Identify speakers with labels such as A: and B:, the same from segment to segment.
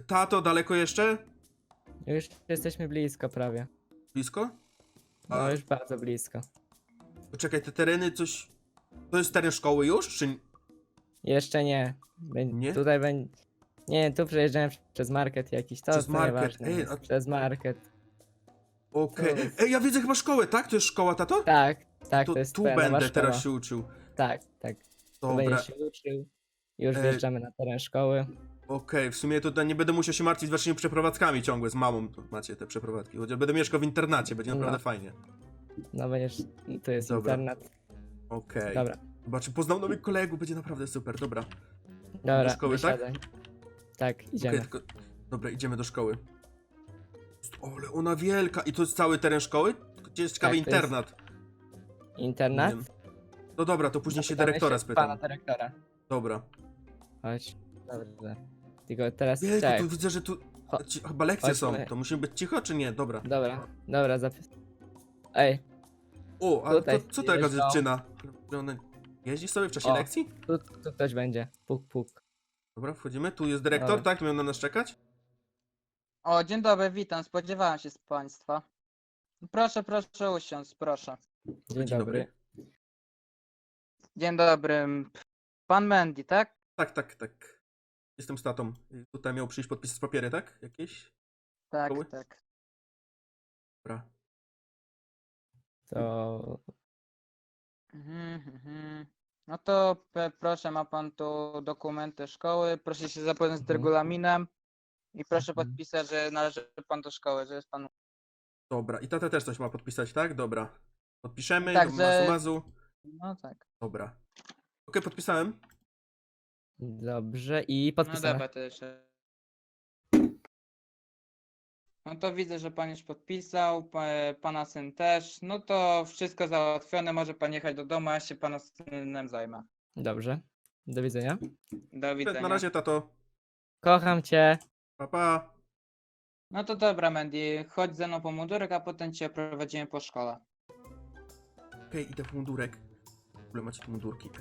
A: Tato, daleko jeszcze?
B: Już jesteśmy blisko prawie.
A: Blisko?
B: No już bardzo blisko.
A: Poczekaj, te tereny coś... To jest teren szkoły już, czy...
B: Jeszcze nie.
A: Nie?
B: Tutaj będzie... Nie, tu przejeżdżałem przez market jakiś,
A: Przez
B: to
A: market,
B: nieważne
A: ej,
B: jest.
A: a-
B: Przez market.
A: Okej.
B: To jest-
A: Ej, ja widzę chyba szkołę, tak? To jest szkoła, tato?
B: Tak, tak,
A: To
B: to jest
A: tu
B: twoja nowa
A: będę
B: szkoła.
A: teraz się uczył.
B: Tak, tak. Tu
A: Dobra.
B: będziesz się uczył. Już
A: E,
B: wjeżdżamy na teren szkoły.
A: Okej, w sumie to nie będę musiał się martwić waszymi przeprowadzkami ciągle z mamą. To macie te przeprowadzki. Chociaż będę mieszkał w internacie, będzie naprawdę
B: No.
A: fajnie.
B: No będziesz... Tu jest
A: Dobra.
B: internet.
A: Okej.
B: Dobra,
A: Zobaczy, poznał nowych kolegów, będzie naprawdę super, dobra.
B: dobra,
A: szkoły, tak?
B: wysiadaj. Tak, idziemy.
A: Okej, tylko... Dobra, idziemy do szkoły. Ale ona wielka! I to jest cały teren szkoły? Gdzie jest ciekawy
B: Tak, to jest-
A: internat?
B: Internat?
A: Nie wiem. No dobra, to później się
B: Zapytamy
A: dyrektora
B: Pana
A: spytam.
B: dyrektora.
A: Dobra.
B: Chodź. Dobrze. Tylko teraz
A: Jejku,
B: czekaj.
A: tu widzę, że tu...
B: Cho-
A: Chyba lekcje są.
B: chodźmy.
A: To musimy być cicho, czy nie? Dobra.
B: Dobra, dobra, zapis. Ej,
A: O, a
B: Tutaj
A: to, co to jaka
B: jeżdżą.
A: dziewczyna? Ona jeździ sobie w czasie
B: O.
A: lekcji?
B: tu ktoś będzie. Puk, puk.
A: Dobra, wchodzimy. Tu jest dyrektor,
B: Dobra.
A: tak? Tu miał na nas czekać?
C: O, dzień dobry, witam, spodziewałem się z państwa. Proszę, proszę usiąść, proszę.
B: Dzień
A: Dzień
B: dobry.
A: dobry.
C: Dzień dobry. Pan Mandy, tak?
A: Tak, tak, tak. Jestem z tatą. Tutaj miał przyjść podpisać papiery, tak? Jakieś?
C: Tak,
A: Szkoły?
C: tak.
A: Dobra.
B: To...
C: No to proszę, ma pan tu dokumenty szkoły, proszę się zapoznać z
B: Mhm.
C: regulaminem i proszę
B: Mhm.
C: podpisać, że należy pan do szkoły, że jest pan...
A: Dobra. I tata też coś ma podpisać, tak? Dobra. Podpiszemy.
C: Tak,
A: do
C: że-
A: mazu.
C: No tak.
A: Dobra. Okej, podpisałem.
B: Dobrze, i
C: No
B: podpisane.
C: dobra, to jeszcze... No to widzę, że pan już podpisał, pana syn też. No to wszystko załatwione, może pan jechać do domu, a ja się pana synem zajmę.
B: Dobrze. Do widzenia.
C: Do widzenia.
A: Na razie, tato.
B: Kocham cię.
A: Pa, pa.
C: No to dobra, Mandy, chodź ze mną po mundurek, a potem cię prowadzimy po szkole.
A: Okej, idę w mundurek. W ogóle macie tu mundurki.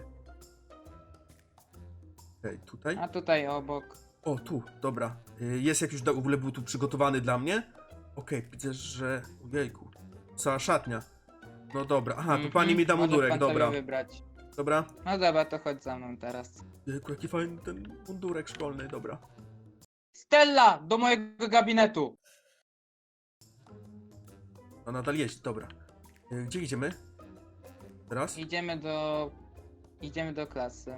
A: Okej, tutaj.
C: A tutaj obok.
A: O, tu, dobra. Jest jak już w ogóle był tu przygotowany dla mnie. Okej, widzę, że... Ojejku. Cała szatnia. No dobra. Aha, tu pani mi da
C: Może
A: mundurek,
C: pan
A: dobra.
C: sobie wybrać.
A: Dobra.
C: No dobra, to chodź za mną teraz.
A: Jejku, jaki fajny ten mundurek szkolny, dobra.
C: Stella, do mojego gabinetu!
A: A nadal jeść, dobra. Gdzie idziemy? Teraz?
C: Idziemy do klasy.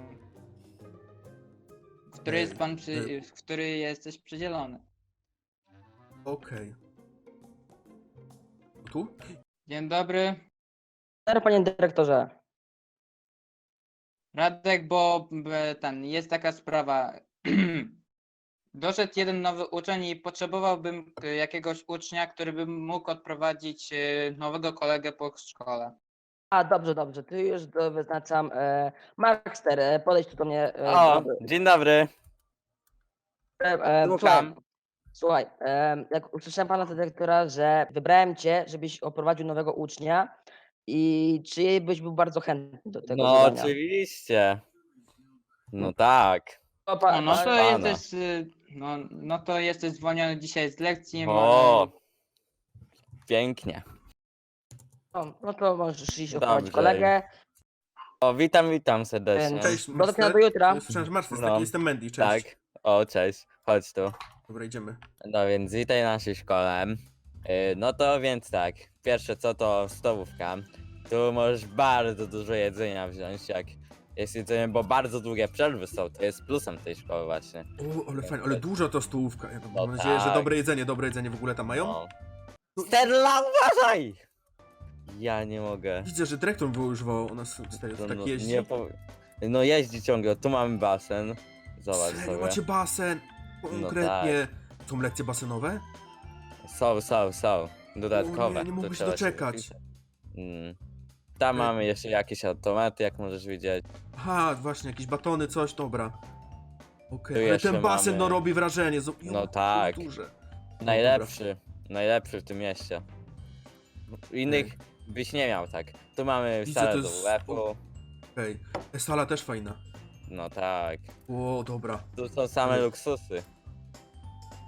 C: W której jest pan w której jesteś przydzielony.
A: Okej. Tu?
C: Dzień dobry.
D: Dobry, panie dyrektorze.
C: Radek, bo jest taka sprawa. Doszedł jeden nowy uczeń i potrzebowałbym jakiegoś ucznia, który by mógł odprowadzić nowego kolegę po szkole.
D: A, dobrze, dobrze. Tu już wyznaczam. Markster, podejdź tu do mnie.
E: O, dzień dobry.
D: Słuchaj,
E: Słucham.
D: słuchaj, jak usłyszałem pana dyrektora, że wybrałem cię, żebyś oprowadził nowego ucznia i czy byś był bardzo chętny do tego
E: No
D: zadania?
E: oczywiście. No tak.
D: O, pa-
C: No to
E: pana.
C: jesteś, no to jesteś zwolniony dzisiaj z lekcji.
E: O, pięknie.
D: no to możesz iść oprowadzić
E: Dobrze.
D: kolegę.
E: O, witam serdecznie.
D: Cześć.
A: Cześć,
D: Do zobaczenia do jutra.
A: Słyszałem, że Marcin jest
E: No.
A: taki, jestem Mandy, cześć.
E: Tak. O, cześć. Chodź tu.
A: Dobra, idziemy.
E: No więc witaj w naszej szkole. No to więc tak. Pierwsze co to stołówka. Tu możesz bardzo dużo jedzenia wziąć, jak jest jedzenie, bo bardzo długie przerwy są. To jest plusem tej szkoły właśnie.
A: O, ale fajnie, ale duża to stołówka. Ja
E: No
A: mam nadzieję, że
E: tak.
A: dobre jedzenie w ogóle tam mają.
E: No. Stella, uważaj! Ja nie mogę.
A: Widzę, że dyrektor wyużywał, ona stary,
E: No,
A: tak
E: no,
A: jeździ.
E: no jeździ ciągle, tu mamy basen. Zobacz
A: Serio,
E: sobie.
A: macie basen? Konkretnie. Są lekcje basenowe?
E: Są. Dodatkowe.
A: O nie
E: tu
A: mogę się
E: trzeba
A: doczekać.
E: wpisać. Tam mamy jeszcze jakieś automaty, jak możesz widzieć.
A: Aha, właśnie, jakieś batony, coś, dobra. Okej,
E: Tu
A: ale
E: jeszcze
A: ten basen
E: mamy-
A: no robi wrażenie.
E: No tak.
A: Duże.
E: Najlepszy w tym mieście. Innych byś nie miał tak. Tu mamy
A: Widzę,
E: salę
A: to
E: do
A: jest-
E: łepu.
A: Okej, sala też fajna.
E: No tak.
A: O, dobra.
E: Tu są same
A: Ale-
E: luksusy.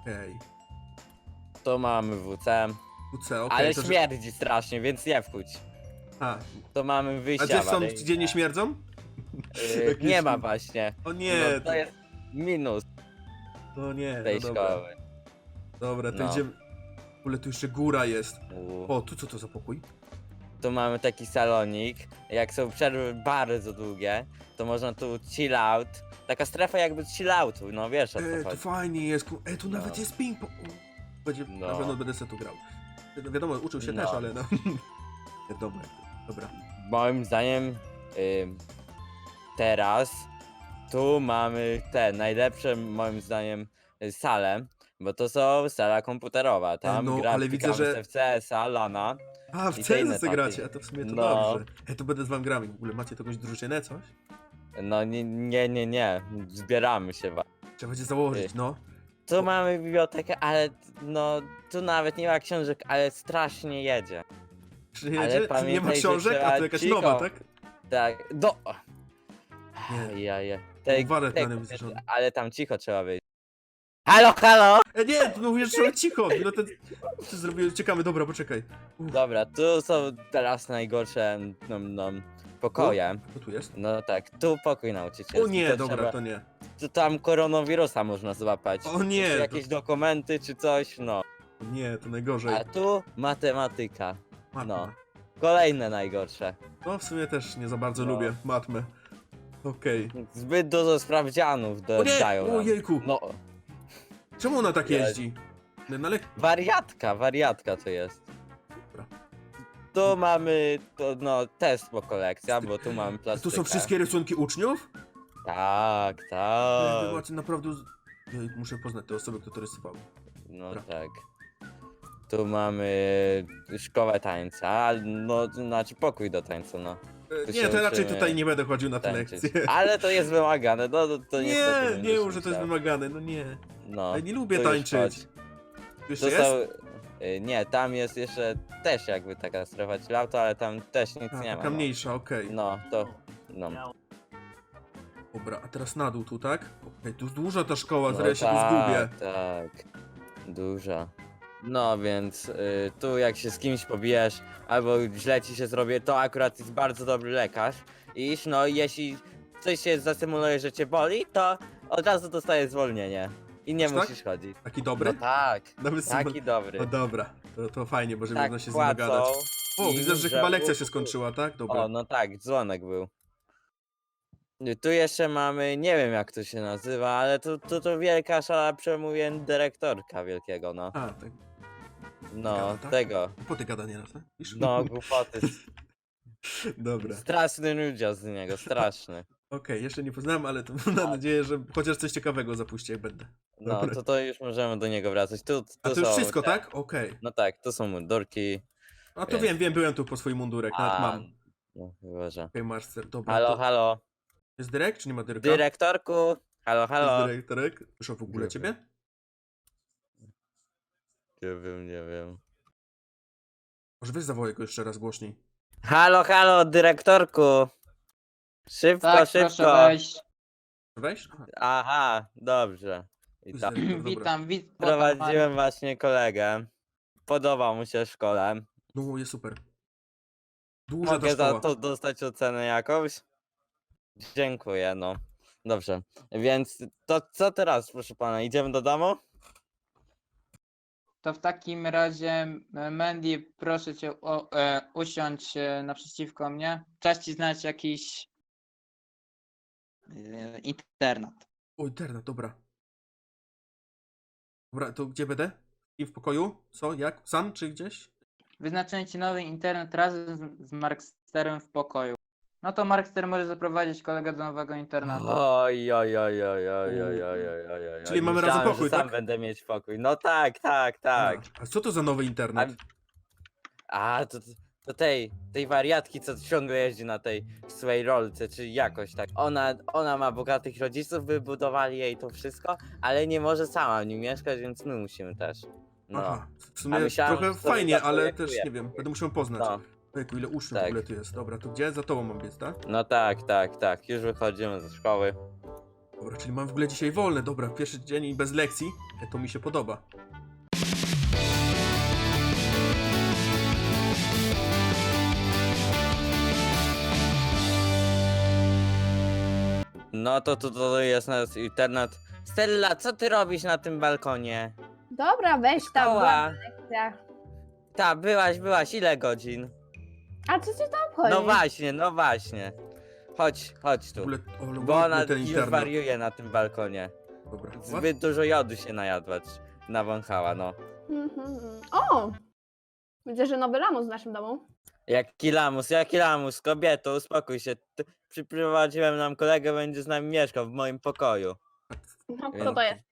A: Okej.
E: Tu mamy WC,
A: UC, okej.
E: ale
A: to, że-
E: śmierdzi strasznie, więc nie wchodź.
A: A,
E: To mamy
A: a
E: wyjścia
A: gdzie są,
E: awaryjne.
A: gdzie nie śmierdzą? Jakieś-
E: Nie ma właśnie.
A: O nie,
E: No, to jest minus
A: no nie,
E: tej
A: no dobra.
E: szkoły.
A: Dobra, to
E: No.
A: idziemy. W ogóle tu jeszcze góra jest.
E: U.
A: O, tu co to za pokój?
E: Tu mamy taki salonik. Jak są przerwy bardzo długie, to można tu chill out. Taka strefa jakby chill outu, no wiesz o co
A: Tu
E: chodzi.
A: fajnie jest. Tu nawet
E: No.
A: jest ping-pong. Będzie,
E: No.
A: na pewno będę se tu grał. No, wiadomo, uczył się
E: No.
A: też, ale no. Wiadomo jak to. Dobra.
E: Moim zdaniem teraz tu mamy te najlepsze moim zdaniem sale, bo to są sala komputerowa. Tam
A: no, ale widzę, że-
E: w CS-a, LANa.
A: A, w
E: I te inne
A: CS gracie,
E: takie.
A: a to w sumie to
E: No.
A: dobrze. To będę z wami grami. W ogóle macie jakąś drużynę, coś?
E: No nie. Zbieramy się.
A: Trzeba będzie założyć, no.
E: Tu mamy bibliotekę, ale no tu nawet nie ma książek, ale strasznie jedzie.
A: Czy
E: Ale
A: nie, nie ma
E: pamiętaj, że
A: książek, a
E: trzeba
A: to jakaś
E: cicho.
A: nowa, tak?
E: Tak, do.
A: Nie.
E: Ja.
A: Wallet na nim zrzony.
E: Ale tam cicho trzeba być. Halo!
A: Nie, tu mówisz, że cicho. No to zrobiłem, czekamy, dobra, poczekaj.
E: Dobra, tu są teraz najgorsze pokoje.
A: Co tu jest?
E: No tak, tu pokój nauczycielski.
A: O nie,
E: to
A: dobra,
E: trzeba,
A: to nie.
E: Tu tam koronawirusa można złapać.
A: O nie,
E: Czy
A: to-
E: jakieś dokumenty czy coś, no.
A: Nie, to najgorzej.
E: A tu matematyka.
A: Matma.
E: no. Kolejne najgorsze.
A: No, w sumie też nie za bardzo
E: No.
A: lubię matmę. Okej.
E: Zbyt dużo sprawdzianów
A: O nie!
E: dodają nam.
A: Ojejku!
E: No,
A: Czemu ona tak
E: Ja-
A: jeździ? No ale...
E: wariatka to jest.
A: Dobra.
E: Tu mamy test po kolekcja, bo tu mamy
A: A
E: plastykę.
A: tu są wszystkie rysunki uczniów?
E: Tak,
A: Wy
E: tak.
A: macie naprawdę... Ej, muszę poznać te osoby, które to rysowały.
E: No
A: Dobra.
E: tak. Tu mamy szkołę tańca, no to znaczy pokój do tańca, no. Tu
A: Nie,
E: się
A: to raczej
E: uczymy
A: tutaj nie będę chodził na te
E: tańczyć.
A: lekcje.
E: Ale to jest wymagane, no to
A: Nie,
E: niestety
A: nie
E: będziesz
A: mów, że to jest
E: musiał.
A: wymagane, no nie.
E: No,
A: Ja nie lubię
E: tu już
A: tańczyć.
E: chodź.
A: Jeszcze
E: To
A: jest?
E: są, nie, tam jest jeszcze też jakby taka strefa chilloutu, ale tam też nic
A: A,
E: nie ma.
A: taka mniejsza, okej.
E: No, no.
A: Dobra, a teraz na dół tu, tak? Okej, tu duża ta szkoła,
E: No
A: zaraz ja się tu zgubię.
E: tak. Duża. No więc tu jak się z kimś pobijesz, albo źle ci się zrobię, to akurat jest bardzo dobry lekarz. Iż no jeśli coś się zasymuluje, że cię boli, to od razu dostajesz zwolnienie. I nie
A: Aż tak?
E: musisz chodzić.
A: Taki dobry?
E: No tak,
A: Nawet
E: taki dobry.
A: No dobra, to fajnie, bo żeby
E: Tak
A: można się z nim dogadać.
E: płacą.
A: O,
E: i
A: widzę, że chyba lekcja się
E: u-
A: skończyła, tak? Dobra.
E: O, no tak, dzwonek był. Tu jeszcze mamy, nie wiem jak to się nazywa, ale to wielka szala przemówień dyrektorka wielkiego, no.
A: A, tak.
E: No,
A: Gada, tak?
E: tego.
A: Głupoty gada nieraz, tak? Wiesz?
E: No, głupoty.
A: Dobra.
E: Straszny ludziom z niego, straszny.
A: Okej, jeszcze nie poznałem, ale to mam nadzieję, że chociaż coś ciekawego zapuści, jak będę.
E: No,
A: Dobra.
E: to już możemy do niego wracać. Tu
A: A to już
E: są
A: wszystko,
E: te-
A: tak? Okej.
E: No tak, tu są mundurki.
A: A to
E: Jest.
A: wiem, byłem tu po swój mundurek, nawet mam. Okej,
E: No, chyba, że.
A: masz ser, dobra.
E: Halo,
A: to...
E: halo.
A: Jest dyrekt, czy nie ma dyrekta?
E: Dyrektorku! Halo, halo.
A: Jest dyrektorek? Słyszę w ogóle
E: Nie
A: ciebie?
E: Nie wiem.
A: Może weź zawołaj go jeszcze raz głośniej.
E: Halo, halo, dyrektorku! Szybko,
C: Tak,
E: szybko.
C: proszę wejść.
A: Weź? Aha,
E: Aha, dobrze.
A: tu jest
E: Witam.
A: dyrektor, dobra.
C: Witam.
E: Prowadziłem właśnie kolegę. Podobał mu się w szkole.
A: No, jest super. Duża ta
E: Mogę za
A: szkoła.
E: to dostać ocenę jakąś? Dziękuję, no. Dobrze, więc to co teraz, proszę pana? Idziemy do domu?
C: To w takim razie, Mandy, proszę cię usiądź naprzeciwko mnie. Czas ci znać jakiś internat.
A: O, internet, dobra. Dobra, to gdzie będę? I w pokoju? Co? Jak? Sam czy gdzieś?
C: Wyznaczyłem ci nowy internet razem z Marksterem w pokoju. No to Markster może zaprowadzić kolegę do nowego internatu.
E: Oj.
A: Czyli mamy razem
E: Myślałem,
A: pokój,
E: że sam
A: tak?
E: będę mieć pokój. No tak.
A: A co to za nowy internet?
E: To tej wariatki, co ciągle jeździ na tej swojej rolce, czy jakoś tak. Ona ma bogatych rodziców, wybudowali jej to wszystko, ale nie może sama w nim mieszkać, więc my musimy też. No.
A: Aha, w
E: A
A: sumie
E: myślałem,
A: trochę
E: że sobie
A: fajnie, ale
E: zaprojektuje.
A: też nie wiem, będę musiał poznać.
E: No.
A: Ojku, ile uczniów w
E: Tak.
A: ogóle tu jest. Dobra, to gdzie? Za tobą mam biec, tak?
E: No tak. Już wychodzimy ze szkoły.
A: Dobra, czyli mam w ogóle dzisiaj wolne. Dobra, pierwszy dzień i bez lekcji. To mi się podoba.
E: No to jest nasz internet. Stella, co ty robisz na tym balkonie?
F: Dobra, weź tam.
E: Szkoła.
F: była lekcja.
E: Ta, byłaś, ile godzin?
F: A co cię tam obchodzi?
E: No właśnie. Chodź
A: W
E: tu.
A: ogóle, o,
E: Bo
A: ładny
E: ona
A: ten
E: już
A: internet.
E: wariuje na tym balkonie.
A: Dobra. What?
E: Zbyt dużo jodu się najadła, nawąchała, no.
F: O! Widzę, że nowy lamus w naszym domu.
E: Jaki lamus, kobieto, uspokój się. Przyprowadziłem nam kolegę, będzie z nami mieszkał w moim pokoju.
F: No, kto
E: Więc-
F: to jest?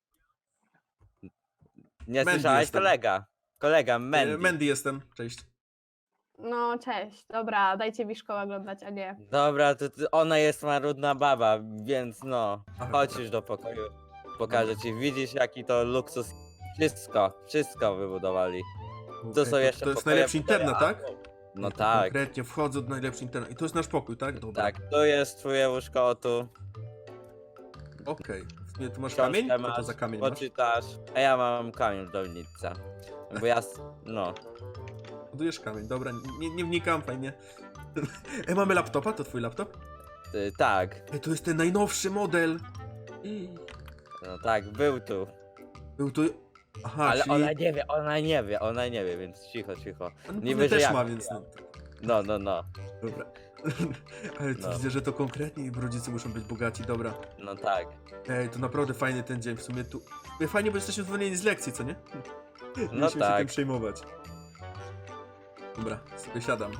E: Nie
A: Mandy
E: słyszałeś?
A: jestem.
E: Kolega, Mandy.
A: Mandy jestem. Cześć.
F: No, cześć. Dobra, dajcie mi szkołę oglądać, a nie.
E: Dobra, ona jest marudna baba, więc no,
A: Aha,
E: chodź
A: dobra.
E: już do pokoju. Pokażę ci, widzisz jaki to luksus. Wszystko wybudowali. To są
A: Okej,
E: jeszcze
A: to jest
E: pokoje
A: najlepszy
E: w
A: internet, tak?
E: No tak,
A: Konkretnie, wchodzę do najlepszy internet. I to jest nasz pokój, tak? Dobra.
E: tak, tu jest twoje łóżko, o tu.
A: Okej. Tu masz
E: Książkę
A: kamień? Co to
E: masz,
A: za kamień masz?
E: poczytasz. A ja mam kamień w dolnicy. Bo ja, no.
A: Budujesz kamień, dobra, nie wnikam, fajnie. Mamy laptopa? To twój laptop?
E: Tak,
A: To jest ten najnowszy model.
E: no tak, był tu.
A: Był tu... Aha,
E: Ale
A: czyli...
E: ona nie wie, więc cicho.
A: On
E: niby,
A: pewnie
E: że
A: też
E: ja
A: ma,
E: wiem.
A: więc no.
E: No,
A: Dobra. Ale to
E: No.
A: widzę, że to konkretnie ich rodzice muszą być bogaci, dobra.
E: no tak.
A: Ej, to naprawdę fajny ten dzień, w sumie tu... Fajnie, bo jesteśmy zwolnieni z lekcji, co nie? Musimy się
E: tak.
A: tym przejmować. Dobra, sobie siadam.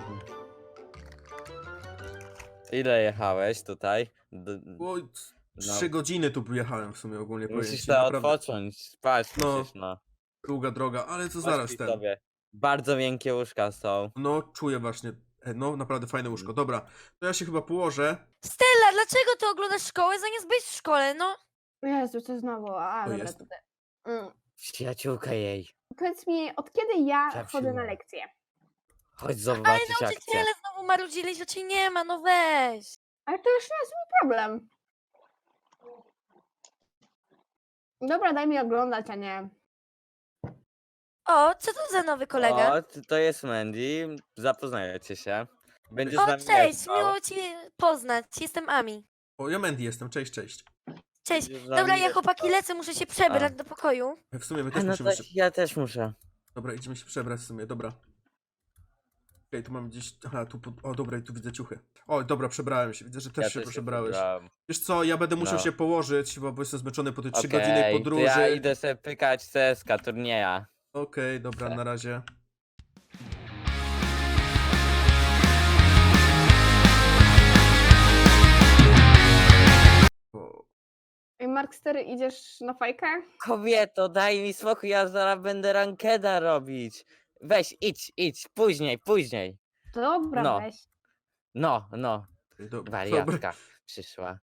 E: Ile jechałeś tutaj?
A: Oj,
E: No.
A: 3 godziny tu jechałem w sumie ogólnie
E: Musisz
A: powiedzieć.
E: to
A: Naprawdę
E: odpocząć, spać
A: No.
E: musisz, no.
A: długa droga, ale to zaraz
E: Pośpij
A: ten.
E: sobie. Bardzo miękkie łóżka są.
A: No, czuję właśnie. No, naprawdę fajne łóżko. Dobra, to ja się chyba położę.
G: Stella, dlaczego ty oglądasz szkołę zamiast być w szkole, no?
F: Jezu, co znowu? A,
A: To
F: dobra,
A: jest.
F: tutaj. Mm.
E: Przyjaciółka jej.
F: Powiedz mi, od kiedy ja
E: Tak,
F: chodzę na
E: siła.
F: lekcje?
E: Chodź
G: Ale
E: zobaczyć akcję.
G: nauczyciele znowu marudzili, że cię nie ma, no weź.
F: Ale to już nie jest mój problem. Dobra, daj mi oglądać, a nie.
G: O, co to za nowy kolega?
E: O, to jest Mandy. Zapoznajecie się. Będzie z
G: O,
E: nami
G: cześć,
E: mieszkał.
G: miło cię poznać. Jestem Ami.
A: O, ja Mandy jestem, cześć.
G: Cześć.
E: Będzie z nami
G: Dobra, ja
E: mieszkał.
G: chłopaki lecę, muszę się przebrać
E: A.
G: do pokoju.
A: W sumie my
E: A
A: też
E: no
A: musimy
E: to
A: się...
E: ja też muszę.
A: Dobra, idziemy się przebrać w sumie, dobra. Okej, tu mam gdzieś... Aha, tu... O, dobra, i tu widzę ciuchy. O, dobra, przebrałem się. Widzę, że też
E: Ja
A: się
E: też
A: przebrałeś.
E: przebrałem.
A: Wiesz co, ja będę musiał
E: No.
A: się położyć, bo jestem zmęczony po tej 3
E: Okej,
A: godzinnej
E: to
A: podróży.
E: ja idę sobie pykać CSK turnieja.
A: Okej, dobra,
E: Tak.
A: na razie. O,
F: Ej, Markster, idziesz na fajkę?
E: Kobieto, daj mi spokój, ja zaraz będę rankeda robić. Weź, idź, później.
F: Dobra,
E: No.
F: weź.
E: No,
A: dobra.
E: wariatka przyszła.